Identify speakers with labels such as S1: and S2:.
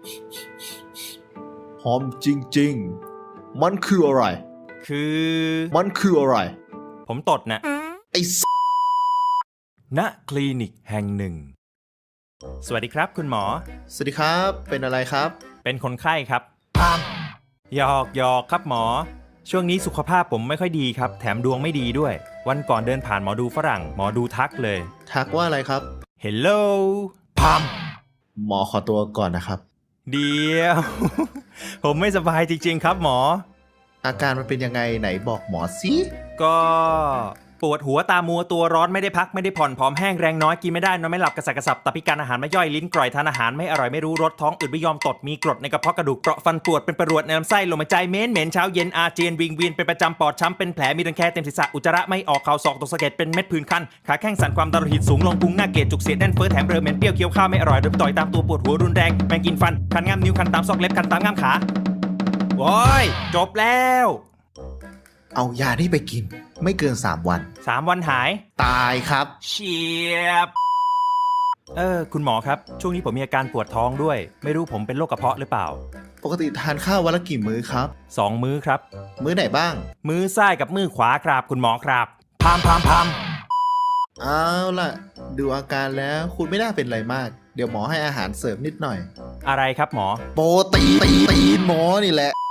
S1: หอมจริงๆมันคืออะไร มันคืออะไร
S2: ผมตดนะ
S1: ไอ้
S2: ณคลินิกแห่งหนึ่งสวัสดีครับคุณหมอ
S1: สวัสดีครับเป็นอะไรครับ
S2: เป็นคนไข้ครับหยอกครับหมอช่วงนี้สุขภาพผมไม่ค่อยดีครับแถมดวงไม่ดีด้วยวันก่อนเดินผ่านหมอดูฝรั่งหมอดูทักเลย
S1: ทักว่าอะไรครับ
S2: Hello
S1: หมอขอตัวก่อนนะครับ
S2: เดียว ผมไม่สบายจริงๆครับหมอ
S1: อาการมันเป็นยังไงไหนบอกหมอสิ
S2: ก็ปวดหัวตามัวตัวร้อนไม่ได้พักไม่ได้ผ่อนผอมแห้งแรงน้อยกินไม่ได้นอนไม่หลับกระสับกระสับตับพิการอาหารไม่ย่อยลิ้นกร่อยทานอาหารไม่อร่อยไม่รู้รสท้องอืดไม่ยอมตดมีกรดในกระเพาะกระดูกเปราะฟันปวดเป็นประรวดในลำไส้ลมหายใจเหม็นเช้าเย็นอาเจียนวิงเวียนเป็นประจำปอดช้ำเป็นแผลมีรังแคเต็มศีรษะอุจจาระไม่ออกเข่าศอกตกสะเก็ดเป็นเม็ดผื่นคันขาแข้งสั่นความดันโลหิตสูงลงพุงหน้าเกลียดจุกเสียดแน่นเฟ้อแถมเรอเหม็นเปรี้ยวเคี้ยวข้าวไม่อร่อยโดนต่อยตามตัวปวดหัวรุนแรงแมงกินฟันคันง่ามนิ้วคันตามซอกเล็บคันตามง่ามขาโว้ยจบแล้ว
S1: เอายานี่ไปกิน ไม่เกิน3 วัน
S2: 3 วันหาย
S1: ตายครับ
S2: เฉียบคุณหมอครับช่วงนี้ผมมีอาการปวดท้องด้วยไม่รู้ผมเป็นโรคกระเพาะหรือเปล่า
S1: ปกติทานข้าววันละกี่มื้อครับ
S2: 2 มื้อครับ
S1: มื้อไหนบ้าง
S2: มือซ้ายกับมือขวาครับคุณหมอครับพาม
S1: เอาล่ะ ดูอาการแล้วคุณไม่น่าเป็นอะไรมาก เดี๋ยวหมอให้อาหารเสริมนิดหน่อย
S2: อะไรครับหมอ
S1: โปรตีนหมอนี่แหละ